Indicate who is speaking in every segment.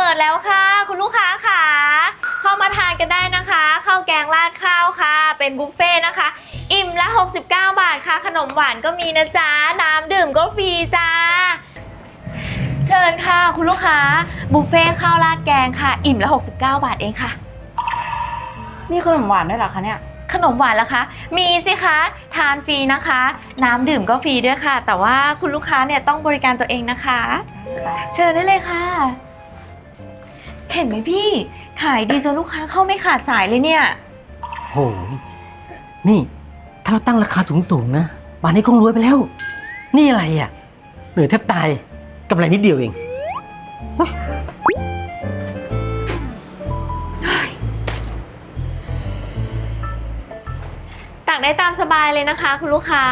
Speaker 1: ปิดแล้วค่ะคุณลูกค้าค่ะเข้ามาทานกันได้นะคะข้าวแกงราดข้าวค่ะเป็นบุฟเฟ่ต์นะคะอิ่มละ69 บาทค่ะขนมหวานก็มีนะจ๊ะน้ำดื่มก็ฟรีจ้าเชิญค่ะคุณลูกค้าบุฟเฟ่ต์ข้าวราดแกงค่ะอิ่มละ69 บาทเองค่ะ
Speaker 2: มีขนมหวานด้วยเหรอคะเนี่ย
Speaker 1: ขนมหวานล่ะคะมีสิคะทานฟรีนะคะน้ำดื่มก็ฟรีด้วยค่ะแต่ว่าคุณลูกค้าเนี่ยต้องบริการตัวเองนะคะเชิญได้เลยค่ะเห็นไหมพี่ขายดีจนลูกค้าเข้าไม่ขาดสายเลยเนี่ย
Speaker 3: โหนี่ถ้าเราตั้งราคาสูงๆนะป่านนี้คงรวยไปแล้วนี่อะไรอ่ะเหนื่อยแทบตายกำไรนิดเดียวเอง
Speaker 1: ตักได้ตามสบายเลยนะคะคุณลูกค้า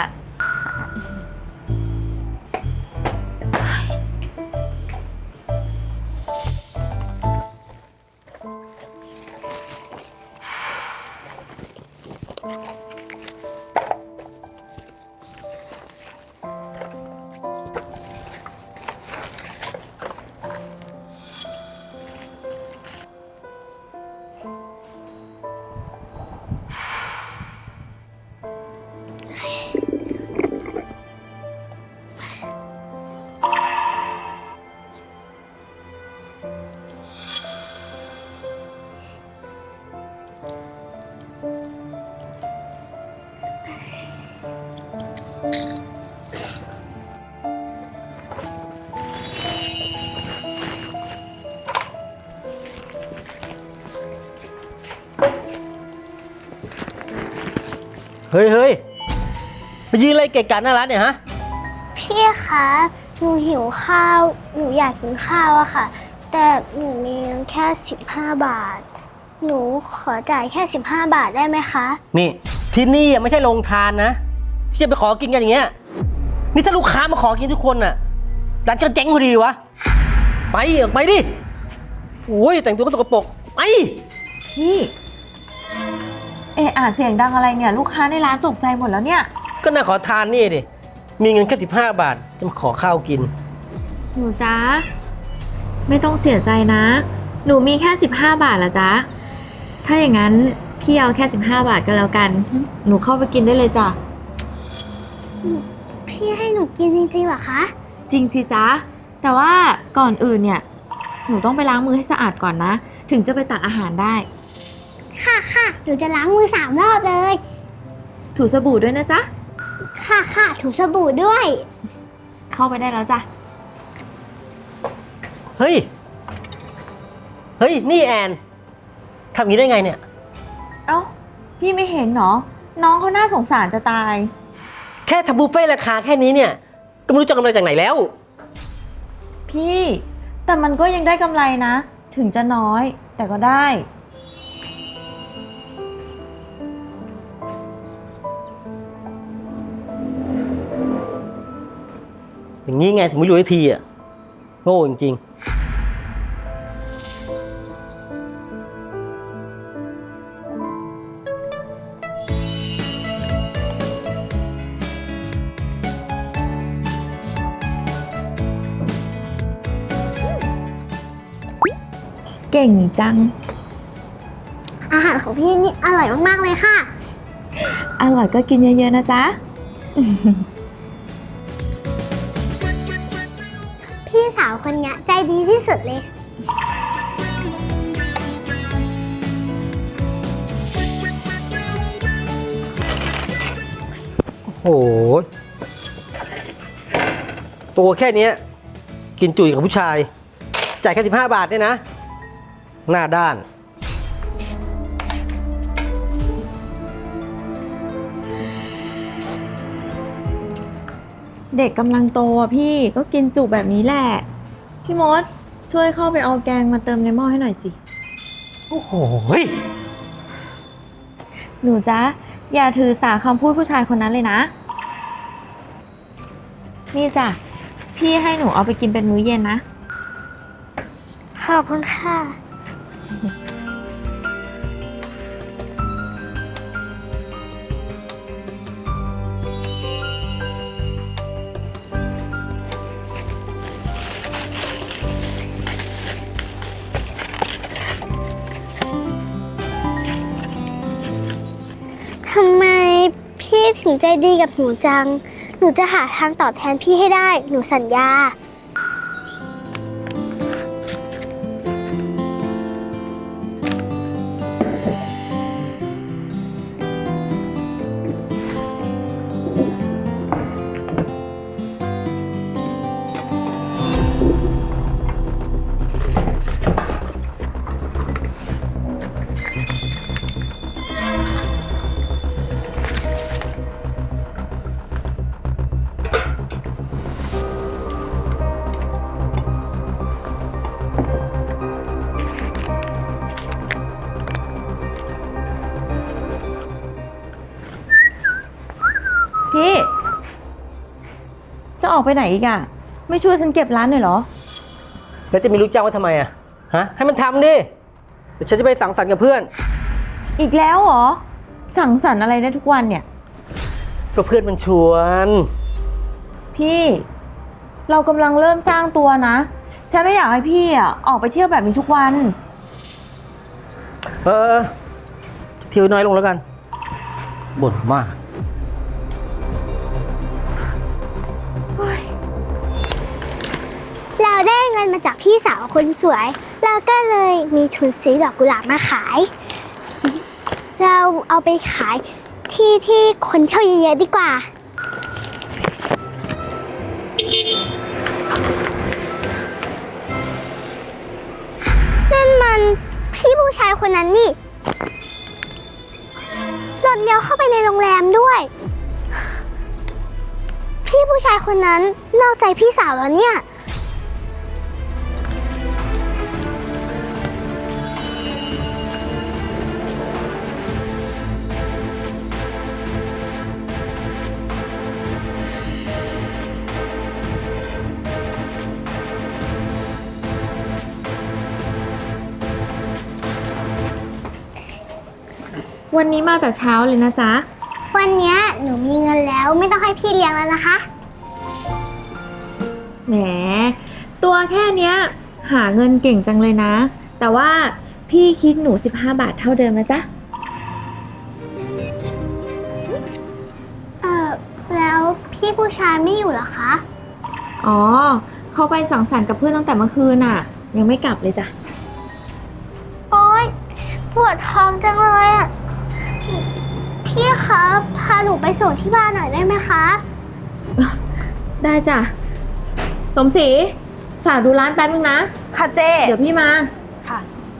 Speaker 3: เฮ้ยมายืนอะไรเกะกะหน้าร้านเนี่ยฮะ
Speaker 4: พี่คะหนูหิวข้าวหนูอยากกินข้าวอะค่ะแต่หนูมีแค่15 บาทหนูขอจ่ายแค่15 บาทได้ไหมคะ
Speaker 3: นี่ที่นี่ไม่ใช่โรงทานนะที่จะไปขอกินกันอย่างเงี้ยนี่ถ้าลูกค้ามาขอกินทุกคนน่ะร้านก็เจ๊งพอดีวะไปออกไปดิโอ้ยแต่งตัวก็สกปรกไป
Speaker 1: พี่เสียงดังอะไรเนี่ยลูกค้าในร้านตกใจหมดแล้วเนี่ย
Speaker 3: ก็น่าขอทานนี่ดิมีเงินแค่15 บาทจะมาขอข้าวกิน
Speaker 1: หนูจ๊ะไม่ต้องเสียใจนะหนูมีแค่15 บาทละจ๊ะถ้าอย่างนั้นพี่เอาแค่15 บาทก็แล้วกันหนูเข้าไปกินได้เลยจ้ะ
Speaker 4: พี่ให้หนูกินจริงๆเหรอคะ
Speaker 1: จริงสิจ๊ะแต่ว่าก่อนอื่นเนี่ยหนูต้องไปล้างมือให้สะอาดก่อนนะถึงจะไปตักอาหารได้
Speaker 4: ค่ะหนูจะล้างมือ3 รอบเลย
Speaker 1: ถูสบู่ด้วยนะจ๊ะ
Speaker 4: ค่ะถูสบู่ด้วย
Speaker 1: เข้าไปได้แล้วจ้ะ
Speaker 3: เฮ้ยนี่แอนทำอย่างนี้ได้ไงเนี่ย
Speaker 1: เอ้าพี่ไม่เห็นเหรอน้องเขาน่าสงสารจะตาย
Speaker 3: แค่ทำบุฟเฟ่ต์ราคาแค่นี้เนี่ยก็ไม่รู้จะกำไรจากไหนแล้ว
Speaker 1: พี่แต่มันก็ยังได้กำไรนะถึงจะน้อยแต่ก็ได้
Speaker 3: อย่างนี้ไงถึงไม่รวยทีอ่ะโง่จริง
Speaker 1: เก่งจัง
Speaker 4: อาหารของพี่นี่อร่อยมากๆเลยค่ะ
Speaker 1: อร่อยก็กินเยอะๆนะจ๊ะ
Speaker 4: พี่สาวคนนี้ใจดีที่สุดเลย
Speaker 3: โอ้โหตัวแค่นี้กินจุ๋ยกับผู้ชายจ่ายแค่15 บาทเนี่ยนะหน้าด้าน
Speaker 1: เด็กกำลังโตอ่ะพี่ก็กินจุแบบนี้แหละพี่มดช่วยเข้าไปเอาแกงมาเติมในหม้อให้หน่อยสิ
Speaker 3: โอ้โห
Speaker 1: หนูจ๊ะอย่าถือสาคำพูดผู้ชายคนนั้นเลยนะนี่จ้ะพี่ให้หนูเอาไปกินเป็นมื้อเย็นนะ
Speaker 4: ขอบคุณค่ะ
Speaker 3: อ
Speaker 4: ถึงใจดีกับหนูจัง หนูจะหาทางตอบแทนพี่ให้ได้ หนูสัญญา
Speaker 2: พี่ จะออกไปไหนอีกอะไม่ช่วยฉันเก็บร้านหน่อยเหรอ
Speaker 3: แล้วจะมีลูกจ้างไว้ทำไมอะฮะ ให้มันทำดิ เดี๋ยวฉันจะไปสังสรรค์กับเพื่อน
Speaker 2: อีกแล้วเหรอ สั่งสรรค์อะไรได้ทุกวันเนี่ย
Speaker 3: ก็เพื่อนมันชวน
Speaker 2: พี่ เรากำลังเริ่มสร้างตัวนะ ฉันไม่อยากให้พี่อะออกไปเที่ยวแบบนี้ทุกวัน
Speaker 3: เออเที่ยวน้อยลงแล้วกัน บ่นมาก
Speaker 4: เราได้เงินมาจากพี่สาวคนสวย เราก็เลยมีทุนซื้อดอกกุหลาบมาขาย เราเอาไปขายที่คนเที่ยวเยอะๆดีกว่า นั่นมันพี่ผู้ชายคนนั้นนี่หล่นเลี้ยวเข้าไปในโรงแรมด้วย พี่ผู้ชายคนนั้นนอกใจพี่สาวแล้วเนี่ย
Speaker 1: วันนี้มาแต่เช้าเลยนะจ๊ะ
Speaker 4: วันเนี้ยหนูมีเงินแล้วไม่ต้องให้พี่เลี้ยงแล้วนะคะ
Speaker 1: แหม ตัวแค่เนี้ยหาเงินเก่งจังเลยนะ แต่ว่าพี่คิดหนู15 บาทเท่าเดิมนะจ๊ะ
Speaker 4: แล้วพี่ผู้ชายไม่อยู่เหรอคะ
Speaker 1: อ๋อ เขาไปสังสรรค์กับเพื่อนตั้งแต่เมื่อคืนน่ะ ยังไม่กลับเลยจ้ะ
Speaker 4: โอ๊ยปวดท้องจังเลยอ่ะ พี่คะพาหนูไปส่งที่บ้านหน่อยได้ไหมคะ
Speaker 1: ได้จ้ะ สมศรีฝากดูร้านแป๊บนึงนะ
Speaker 2: ค่ะเจ๊
Speaker 1: เดี๋ยวพี่มา
Speaker 2: ค่ะ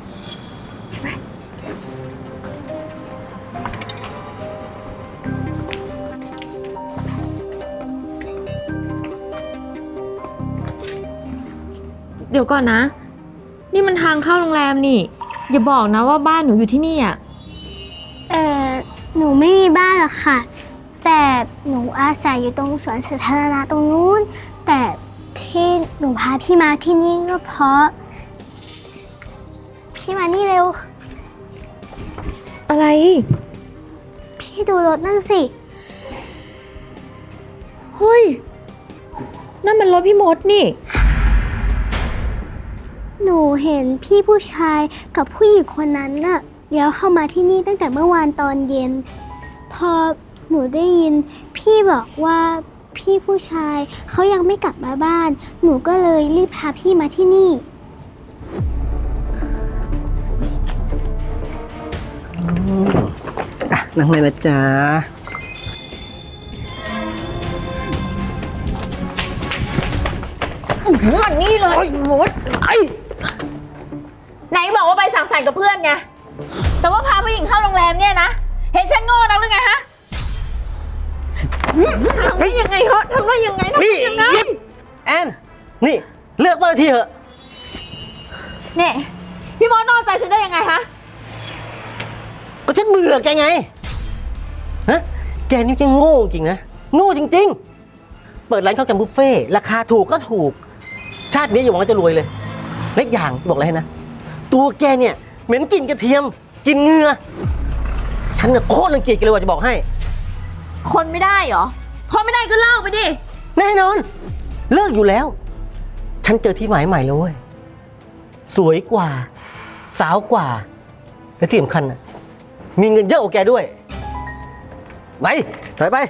Speaker 1: เดี๋ยวก่อนนะ นี่มันทางเข้าโรงแรมนี่ อย่าบอกนะว่าบ้านหนูอยู่ที่นี่อ่ะ
Speaker 4: หนูไม่มีบ้านหรอกค่ะ แต่หนูอาศัยอยู่ตรงสวนสาธารณะตรงนู้น แต่ที่หนูพาพี่มาที่นี่ก็เพราะ พี่มานี่เร็ว
Speaker 1: อะไร
Speaker 4: พี่ดูรถนั่นสิ
Speaker 1: เฮ้ย นั่นมันรถพี่มดนี่
Speaker 4: หนูเห็นพี่ผู้ชายกับผู้หญิงคนนั้นน่ะเลี้ยวเข้ามาที่นี่ตั้งแต่เมื่อวานตอนเย็น พอหนูได้ยินพี่บอกว่าพี่ผู้ชายเขายังไม่กลับมาบ้าน หนูก็เลยรีบพาพี่มาที่นี่
Speaker 3: อ่ะ นั่งเลยนะจ๊ะ
Speaker 1: มันนี่เลยมดไหนบอกว่าไปสังสรรค์กับเพื่อนไง แต่ว่าพาผู้หญิงเข้าโรงแรมเนี่ยนะ เห็นฉันโง่นักหรือไงฮะทำได้ยังไงเขาทำได้ยังไงทำได้ยังไง
Speaker 3: แอน นี่ เลือกว่าทีเถอะ
Speaker 1: เนี่ยพี่มดนอกใจฉันได้ยังไงฮะ
Speaker 3: ก็ฉันเบื่อแกไง ฮะ แกนี่จะโง่จริงนะ โง่จริงๆ เปิดร้านข้าวแกงบุฟเฟ่ต์ราคาถูกก็ถูก ชาตินี้อย่าหวังว่าจะรวยเลยเล็กอย่างบอกอะไรให้นะ ตัวแกเนี่ยเหม็นกลิ่นกระเทียมกลิ่นเหงื่อฉันน่ะโคตรรังเกียจแกเลยว่าจะบอกให้
Speaker 1: คนไม่ได้เหรอ คนไม่ได้ก็เลิกไปดิ
Speaker 3: แน่นอน เลิกอยู่แล้ว ฉันเจอที่หมายใหม่แล้วเว้ย สวยกว่า สาวกว่า และที่สำคัญนะมีเงินเยอะกว่าแกด้วย ไป สถอยไป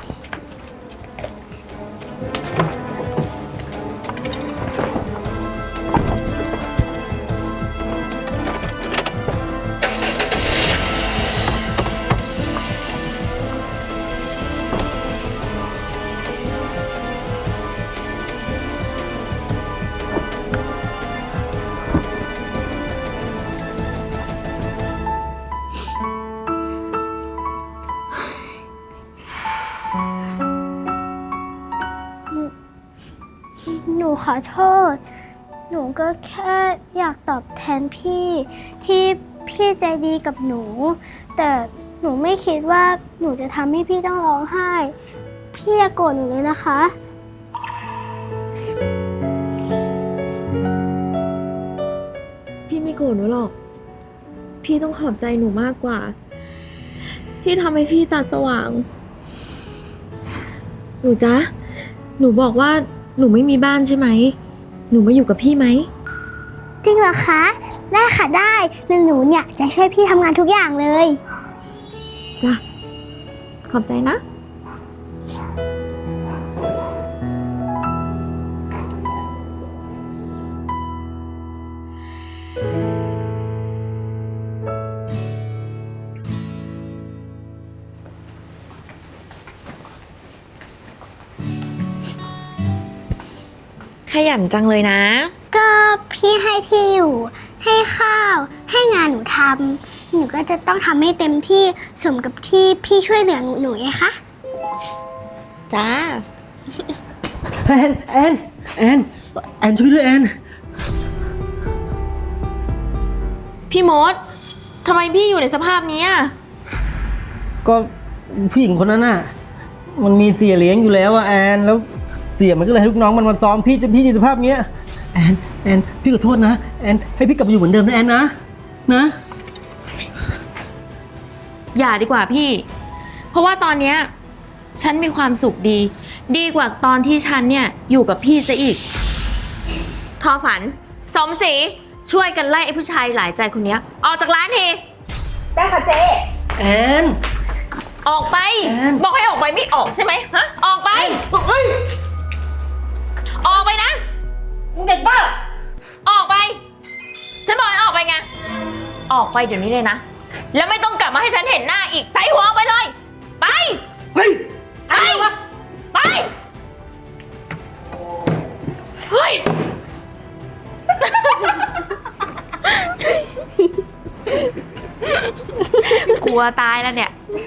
Speaker 4: หนูขอโทษ หนูก็แค่อยากตอบแทนพี่ที่พี่ใจดีกับหนู แต่หนูไม่คิดว่าหนูจะทำให้พี่ต้องร้องไห้ พี่อย่าโกรธหนูเลยนะคะ
Speaker 2: พี่ไม่โกรธหนูหรอก พี่ต้องขอบใจหนูมากกว่า ที่ทำให้พี่ตาสว่าง หนูจ๊ะ หนูบอกว่าหนูไม่มีบ้านใช่ไหม หนูมาอยู่กับพี่ไหม
Speaker 4: จริงเหรอคะ ได้ค่ะได้แล้วหนูเนี่ยจะช่วยพี่ทำงานทุกอย่างเลย
Speaker 2: จ้ะ ขอบใจนะ
Speaker 1: ขยันจังเลยนะ
Speaker 4: ก็พี่ให้ที่อยู่ ให้ข้าว ให้งานหนูทำหนูก็จะต้องทำให้เต็มที่สมกับที่พี่ช่วยเหลือหนูไงคะ
Speaker 1: จ้า
Speaker 3: แอนช่วยด้วยแอน
Speaker 1: พี่มดทำไมพี่อยู่ในสภาพนี้อะ
Speaker 3: ก็ผู้หญิงคนนั้นน่ะ มันมีเสียเลี้ยงอยู่แล้วอะแอน แล้วเสียมันก็เลยให้ลูกน้องมันมาซ้อมพี่จนพี่อยู่ในสภาพเนี้ยแอนพี่ขอโทษนะแอนให้พี่กลับมาอยู่เหมือนเดิมนะแอนนะ
Speaker 1: อย่าดีกว่าพี่ เพราะว่าตอนเนี้ยฉันมีความสุขดี ดีกว่าตอนที่ฉันเนี่ยอยู่กับพี่ซะอีก ทอฝัน สมศรีช่วยกันไล่ไอ้ผู้ชายหลายใจคนเนี้ยออกจากร้านที
Speaker 5: ได้ค่ะเจ๊
Speaker 3: แอน
Speaker 1: ออกไป
Speaker 3: แอน
Speaker 1: บอกให้ออกไปไม่ออกใช่ไหมฮะ ออกไป
Speaker 3: เฮ้ย
Speaker 1: ออกไปนะ
Speaker 5: มึงเด็กบ้า
Speaker 1: ออกไป ฉันบอกให้ออกไปไง ออกไปเดี๋ยวนี้เลยนะ แล้วไม่ต้องกลับมาให้ฉันเห็นหน้าอีกใส่หัวออกไปเลย ไป
Speaker 3: เฮ้ย
Speaker 1: ไป ไป เฮ้ย กลัวตายแล้วเนี่ย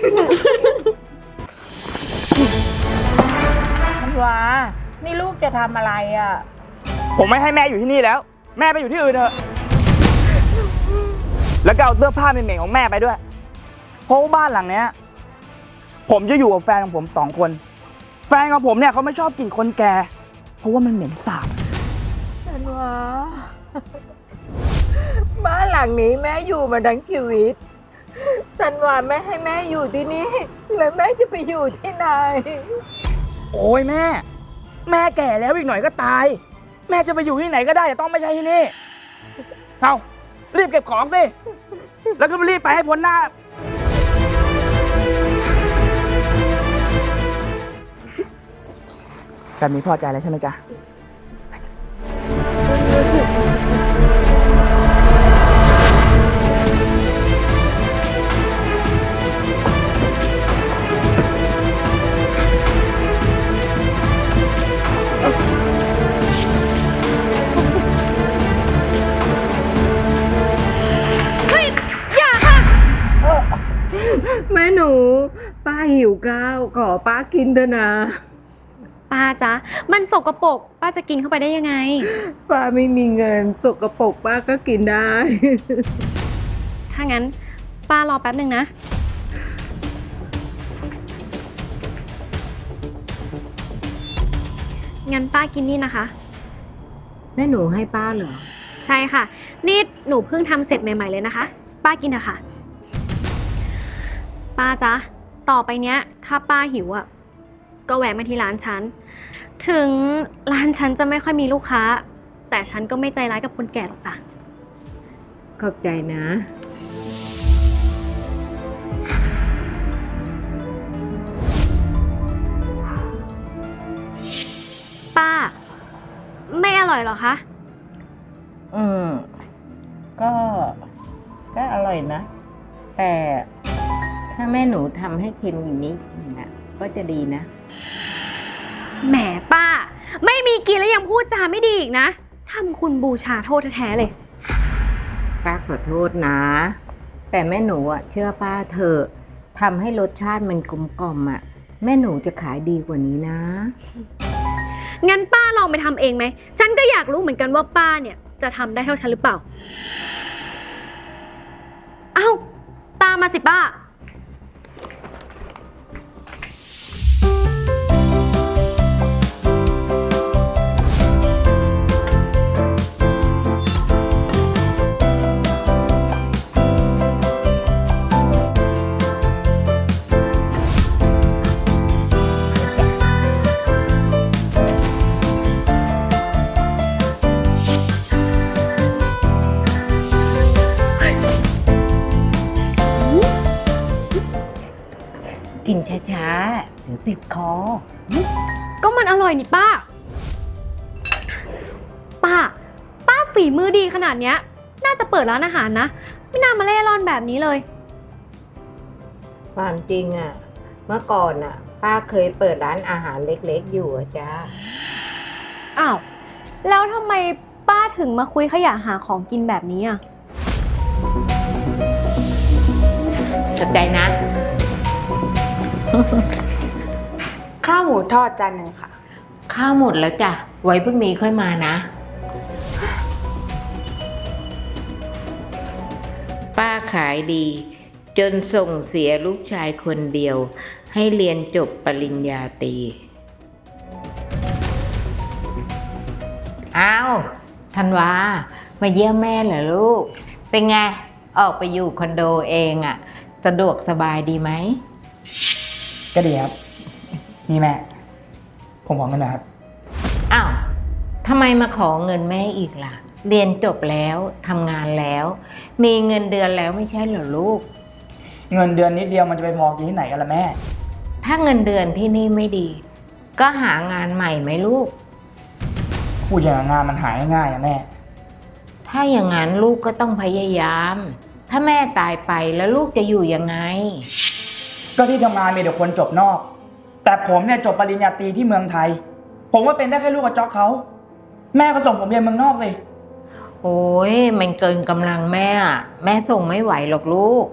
Speaker 5: มันว่านี่ลูกจะทำอะไรอ่ะ
Speaker 6: ผมไม่ให้แม่อยู่ที่นี่แล้ว แม่ไปอยู่ที่อื่นเถอะ แล้วก็เอาเสื้อผ้าเหม็นๆของแม่ไปด้วย เพราะว่าบ้านหลังเนี้ยผมจะอยู่กับแฟนของผม2 คน แฟนของผมเนี่ยเขาไม่ชอบกลิ่นคนแก่ เพราะว่ามันเหม็นสาบ
Speaker 5: มันว่าบ้านหลังนี้แม่อยู่มาทั้งชีวิตฉันว่าแม่ให้แม่อยู่ที่นี่แล้วแม่จะไปอยู่ที่ไหน
Speaker 6: โอ้ยแม่ แม่แก่แล้วอีกหน่อยก็ตาย แม่จะไปอยู่ที่ไหนก็ได้แต่ต้องไม่ใช่ที่นี่ เอารีบเก็บของสิ แล้วก็รีบไปให้พ้นหน้า แบบนี้พอใจแล้วใช่ไหมจ๊ะ
Speaker 5: แม่หนูป้าหิวข้าวขอป้ากินเถอะนะ
Speaker 7: ป้าจ๊ะ มันสกปรกป้าจะกินเข้าไปได้ยังไง
Speaker 5: ป้าไม่มีเงินสกปรกป้าก็กินได้
Speaker 7: ถ้างั้นป้ารอแป๊บหนึ่งนะ งั้นป้ากินนี่นะคะ
Speaker 5: แม่หนูให้ป้าเหรอ
Speaker 7: ใช่ค่ะ นี่หนูเพิ่งทำเสร็จใหม่ๆเลยนะคะ ป้ากินเถอะค่ะ ป้าจ๊ะ ต่อไปเนี้ย ถ้าป้าหิวอ่ะ ก็แวะมาที่ร้านฉัน ถึงร้านฉันจะไม่ค่อยมีลูกค้า แต่ฉันก็ไม่ใจร้ายกับคนแก่หรอกจ้ะ
Speaker 5: ขอบใจนะ
Speaker 7: ไม่อร่อยเหรอคะ
Speaker 5: อืม ก็อร่อยนะ แต่ถ้าแม่หนูทำให้เค็มอย่างนี้นะก็จะดีนะ
Speaker 7: แหมป้า ไม่มีกินแล้วยังพูดจาไม่ดีอีกนะทำคุณบูชาโทษแท้ๆเลย
Speaker 5: ป้าขอโทษนะ แต่แม่หนูอ่ะเชื่อป้าเถอะทำให้รสชาติมันกลมกล่อมอ่ะแม่หนูจะขายดีกว่านี้นะ
Speaker 7: งั้นป้าลองไปทำเองไหม ฉันก็อยากรู้เหมือนกันว่าป้าเนี่ยจะทำได้เท่าฉันหรือเปล่า เอ้า ตามมาสิป้า
Speaker 5: กินช้าๆเดี๋ยวติดคอ
Speaker 7: ก็มันอร่อยนี่ป้า ป้าฝีมือดีขนาดเนี้ย น่าจะเปิดร้านอาหารนะ ไม่น่ามาเล่ร่อนแบบนี้เลย
Speaker 5: ความจริงอ่ะ เมื่อก่อนอ่ะ ป้าเคยเปิดร้านอาหารเล็กๆอยู่อะจ้า
Speaker 7: อ้าว แล้วทำไมป้าถึงมาคุยขยะหาของกินแบบนี้อ่ะ
Speaker 5: ขอบใจนะ
Speaker 8: ข้าวหมูทอดจานหนึ่งค่ะ
Speaker 5: ข้าวหมดแล้วจ้ะ ไว้พรุ่งนี้ค่อยมานะ ป้าขายดี จนส่งเสียลูกชายคนเดียว ให้เรียนจบปริญญาตรีอ้าวธันวา มาเยี่ยมแม่เหรอลูก เป็นไง ออกไปอยู่คอนโดเองอะสะดวกสบายดีไหม
Speaker 6: ก็ดีครับ นี่แม่ ผมขอเงินนะครับ
Speaker 5: อ้าวทำไมมาขอเงินแม่อีกล่ะ เรียนจบแล้วทำงานแล้ว มีเงินเดือนแล้วไม่ใช่เหรอลูก
Speaker 6: เงินเดือนนิดเดียวมันจะไปพอกินที่ไหนกันล่ะแม่
Speaker 5: ถ้าเงินเดือนที่นี่ไม่ดี ก็หางานใหม่ไหมลูก
Speaker 6: พูดอย่างงานมันหายง่ายๆนะแม่
Speaker 5: ถ้าอย่างนั้นลูกก็ต้องพยายาม ถ้าแม่ตายไปแล้วลูกจะอยู่ยังไง
Speaker 6: ก็ที่ทำงานมีแต่คนจบนอก แต่ผมเนี่ยจบปริญญาตรีที่เมืองไทย ผมว่าเป็นได้แค่ลูกกระจอกเขา แม่ก็ส่งผมเรียนเมืองนอกสิ
Speaker 5: โอ้ยมันเกินกำลังแม่อะแม่ส่งไม่ไหวหรอกลูก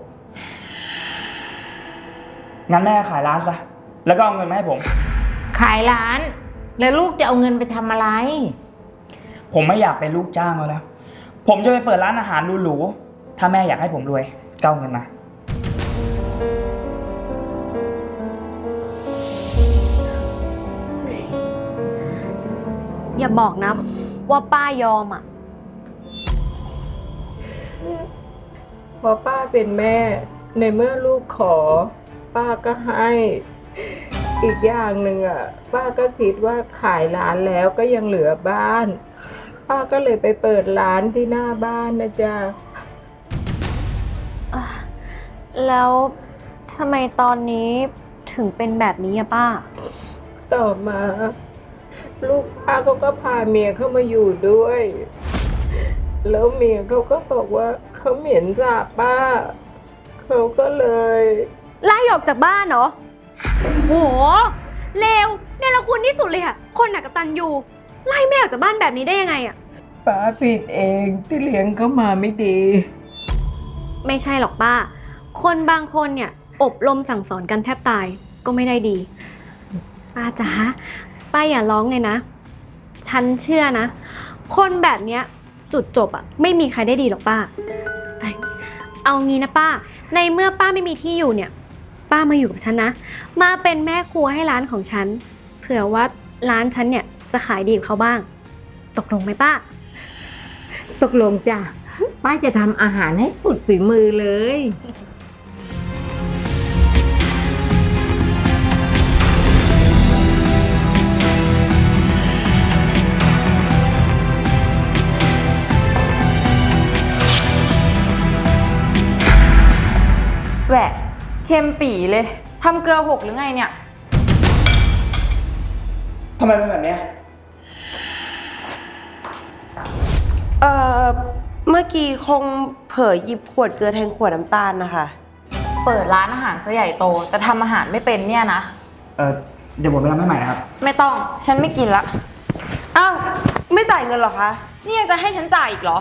Speaker 6: งั้นแม่ขายร้านซะ แล้วก็เอาเงินมาให้ผม
Speaker 5: ขายร้าน แล้วลูกจะเอาเงินไปทำอะไร
Speaker 6: ผมไม่อยากเป็นลูกจ้างแล้ว ผมจะไปเปิดร้านอาหารหรูๆ ถ้าแม่อยากให้ผมรวยก็เอาเงินมา
Speaker 7: อย่าบอกนะว่าป้ายอมอ่ะ
Speaker 5: พอป้าเป็นแม่ ในเมื่อลูกขอ ป้าก็ให้ อีกอย่างหนึ่งอ่ะ ป้าก็คิดว่าขายร้านแล้วก็ยังเหลือบ้าน ป้าก็เลยไปเปิดร้านที่หน้าบ้านนะจ๊ะ
Speaker 7: แล้วทำไมตอนนี้ถึงเป็นแบบนี้อะป้า
Speaker 5: ต่อมา ลูกป้าเขาก็พาเมียเข้ามาอยู่ด้วย แล้วเมียเขาก็บอกว่าเขาเหม็นสาบป้า เขาก็เลย
Speaker 7: ไล่ออกจากบ้านเหรอ โห เลวเนรคุณที่สุดเลยอะคนหนักกตัญญูไล่แม่ออกจากบ้านแบบนี้ได้ยังไงอะ
Speaker 5: ป้าผิดเองที่เลี้ยงเขามาไม่ดี
Speaker 7: ไม่ใช่หรอกป้า คนบางคนเนี่ยอบรมสั่งสอนกันแทบตายก็ไม่ได้ดี ป้าจ๋าป้าอย่าร้องเลยนะ ฉันเชื่อนะ คนแบบเนี้ยจุดจบอะไม่มีใครได้ดีหรอกป้า เอางี้นะป้า ในเมื่อป้าไม่มีที่อยู่เนี่ย ป้ามาอยู่กับฉันนะ มาเป็นแม่ครัวให้ร้านของฉัน เผื่อว่าร้านฉันเนี่ยจะขายดีกับเขาบ้าง ตกลงไหมป้า
Speaker 5: ตกลงจ้ะ ป้าจะทำอาหารให้สุดฝีมือเลย
Speaker 8: แหวะเค็มปีเลยทำเกลือหกหรือไงเนี่ย
Speaker 6: ทำไมเป็นแบบเนี้ย
Speaker 9: เมื่อกี้คงเผลอหยิบขวดเกลือแทนขวดน้ำตาลนะคะ
Speaker 8: เปิดร้านอาหารซะใหญ่โตแต่ทำอาหารไม่เป็นเนี่ยนะ
Speaker 6: เดี๋ยวผมไปทำให้ใหม่นะครับ
Speaker 8: ไม่ต้อง ฉันไม่กินละ
Speaker 9: อ้าว ไม่จ่ายเงินเหรอคะ
Speaker 8: นี่ยังจะให้ฉันจ่ายอีกเหรอ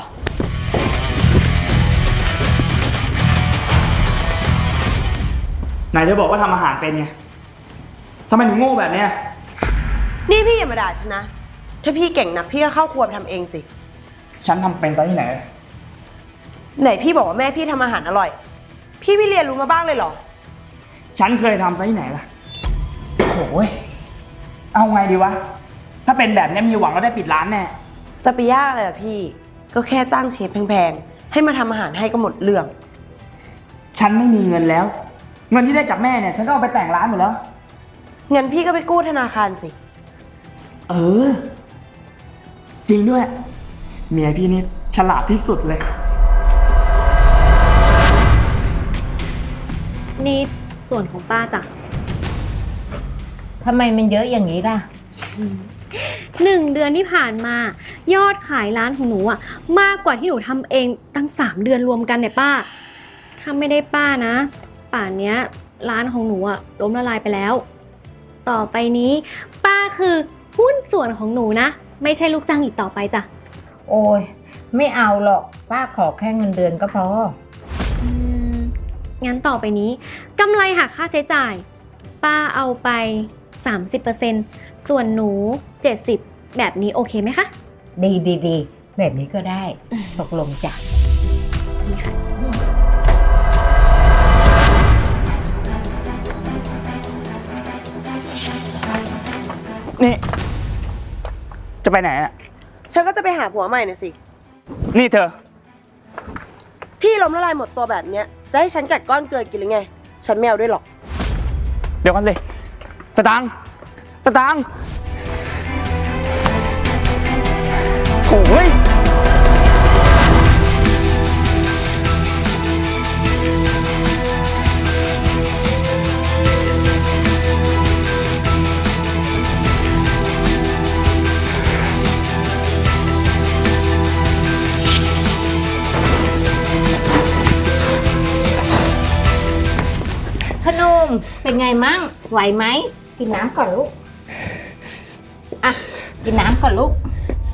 Speaker 6: ไหนเธอบอกว่าทำอาหารเป็นไงทำไมถึงโง่แบบเนี้ย
Speaker 9: นี่พี่อย่ามาด่าฉันนะ ถ้าพี่เก่งนักพี่ก็เข้าครัวไปทำเองสิ
Speaker 6: ฉันทำเป็นซะที่ไหน
Speaker 9: ไหนพี่บอกว่าแม่พี่ทำอาหารอร่อย พี่เรียนรู้มาบ้างเลยเหรอ
Speaker 6: ฉันเคยทำซะที่ไหนล่ะโอ้ยเอาไงดีวะ ถ้าเป็นแบบนี้มีหวังว่าได้ปิดร้านแน่
Speaker 9: จะไปยากอะไรล่ะพี่ ก็แค่จ้างเชฟแพงๆ ให้มาทำอาหารให้ก็หมดเรื่อง
Speaker 6: ฉันไม่มีเงินแล้ว เงินที่ได้จากแม่เนี่ย ฉันก็เอาไปแต่งร้านหมดแล้ว
Speaker 9: งั้นพี่ก็ไปกู้ธนาคารสิ
Speaker 6: เออ จริงด้วย เมียพี่นี่ฉลาดที่สุดเลย
Speaker 7: นี่ส่วนของป้าจ้ะ
Speaker 10: ทำไมมันเยอะอย่างนี้ล่ะ
Speaker 7: 1 เดือนที่ผ่านมา ยอดขายร้านของหนูอะมากกว่าที่หนูทำเองตั้ง3 เดือนรวมกันเนี่ยป้าถ้าไม่ได้ป้านะ ป่านเนี้ยร้านของหนูอะล้มละลายไปแล้ว ต่อไปนี้ป้าคือหุ้นส่วนของหนูนะ ไม่ใช่ลูกจ้างอีกต่อไปจ้ะ
Speaker 10: โอ้ยไม่เอาหรอกป้าขอแค่เงินเดือนก็พอ
Speaker 7: งั้นต่อไปนี้กำไรหักค่าใช้จ่าย ป้าเอาไป 30%ส่วนหนู 70%แบบนี้โอเคไหมคะ
Speaker 10: ดีแบบนี้ก็ได้ตกลงจ้ะ
Speaker 6: นี่ จะไปไหนอ่ะ
Speaker 9: ฉันก็จะไปหาผัวใหม่น่ะสิ
Speaker 6: นี่เธอ
Speaker 9: พี่ล้มละลายหมดตัวแบบเนี้ย จะให้ฉันกัดก้อนเกลือกินหรือไง ฉันไม่เอาด้วยหรอก
Speaker 6: เดี๋ยวกันสิสตางค์โถ่ย
Speaker 10: พนมเป็นไงมั่งไหวไหมกินน้ำก่อนลูกอ่ะกินน้ำก่อนลูก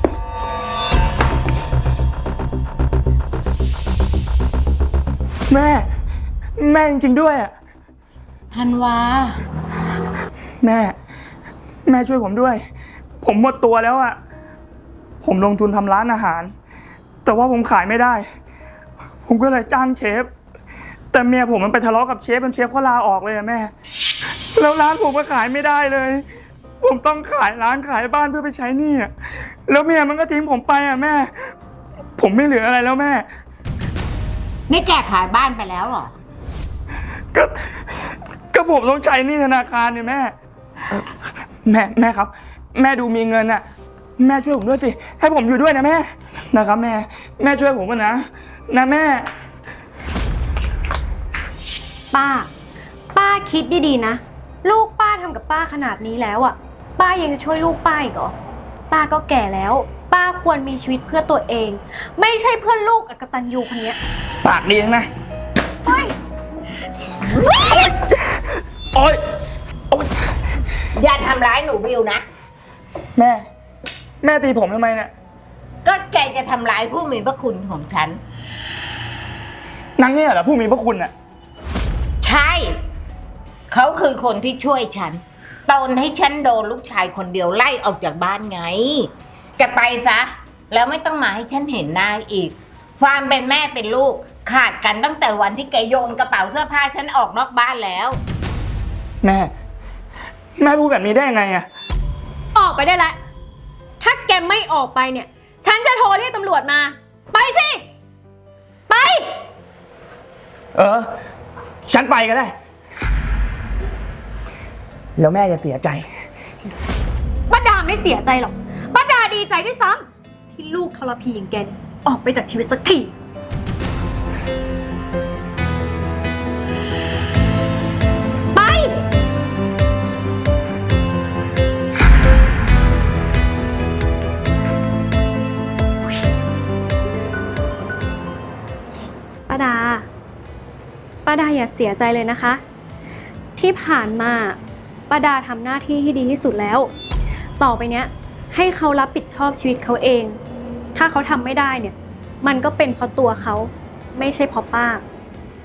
Speaker 6: แม่จริงๆด้วยอ่ะ
Speaker 10: ธันวา
Speaker 6: แม่ช่วยผมด้วย ผมหมดตัวแล้วอ่ะ ผมลงทุนทำร้านอาหาร แต่ว่าผมขายไม่ได้ ผมก็เลยจ้างเชฟ แต่เมียผมมันไปทะเลาะกับเชฟเชฟเขาลาออกเลยอะแม่ แล้วร้านผมก็ขายไม่ได้เลย ผมต้องขายร้านขายบ้านเพื่อไปใช้หนี้อะแล้วเมียมันก็ทิ้งผมไปอะแม่ ผมไม่เหลืออะไรแล้วแม่
Speaker 10: นี่แกขายบ้านไปแล้วเหรอ
Speaker 6: ก็ผมต้องใช้หนี้ธนาคารเนี่ยแม่แม่ครับ แม่ดูมีเงินอะแม่ช่วยผมด้วยสิให้ผมอยู่ด้วยนะแม่นะครับแม่ช่วยผมนะแม่
Speaker 7: ป้าคิดดีๆนะ ลูกป้าทำกับป้าขนาดนี้แล้วอ่ะ ป้ายังจะช่วยลูกป้าอีกเหรอ ป้าก็แก่แล้ว ป้าควรมีชีวิตเพื่อตัวเอง ไม่ใช่เพื่อลูกอกตัญญูคนเนี้ย
Speaker 6: ปากดีนะ
Speaker 7: เฮ้ย
Speaker 6: โอ๊ย
Speaker 10: อย่าทำร้ายหนูบิวนะ
Speaker 6: แม่ตีผมทำไมเนี่ย
Speaker 10: ก็แกจะทำร้ายผู้มีพระคุณของฉัน
Speaker 6: นางเนี่ยเหรอผู้มีพระคุณอะ
Speaker 10: ใช่ เขาคือคนที่ช่วยฉันตอนให้ฉันโดนลูกชายคนเดียวไล่ออกจากบ้านไงจะไปซะ แล้วไม่ต้องมาให้ฉันเห็นหน้าอีก ความเป็นแม่เป็นลูกขาดกันตั้งแต่วันที่แกโยนกระเป๋าเสื้อผ้าฉันออกนอกบ้านแล้ว
Speaker 6: แม่พูดแบบนี้ได้ยังไงอะ
Speaker 7: ออกไปได้แล้ว ถ้าแกไม่ออกไปเนี่ย ฉันจะโทรเรียกตำรวจมา ไปสิ ไป
Speaker 6: ฉันไปก็ได้ แล้วแม่จะเสียใจ
Speaker 7: ป้าดาไม่เสียใจหรอก ป้าดาดีใจด้วยซ้ำที่ลูกทรพีอย่างแกเนี่ยออกไปจากชีวิตสักที ไปดา ป้าดาอย่าเสียใจเลยนะคะ ที่ผ่านมาป้าดาทำหน้าที่ที่ดีที่สุดแล้ว ต่อไปเนี้ยให้เขารับผิดชอบชีวิตเขาเอง ถ้าเขาทำไม่ได้เนี่ย มันก็เป็นเพราะตัวเขาไม่ใช่เพราะป้า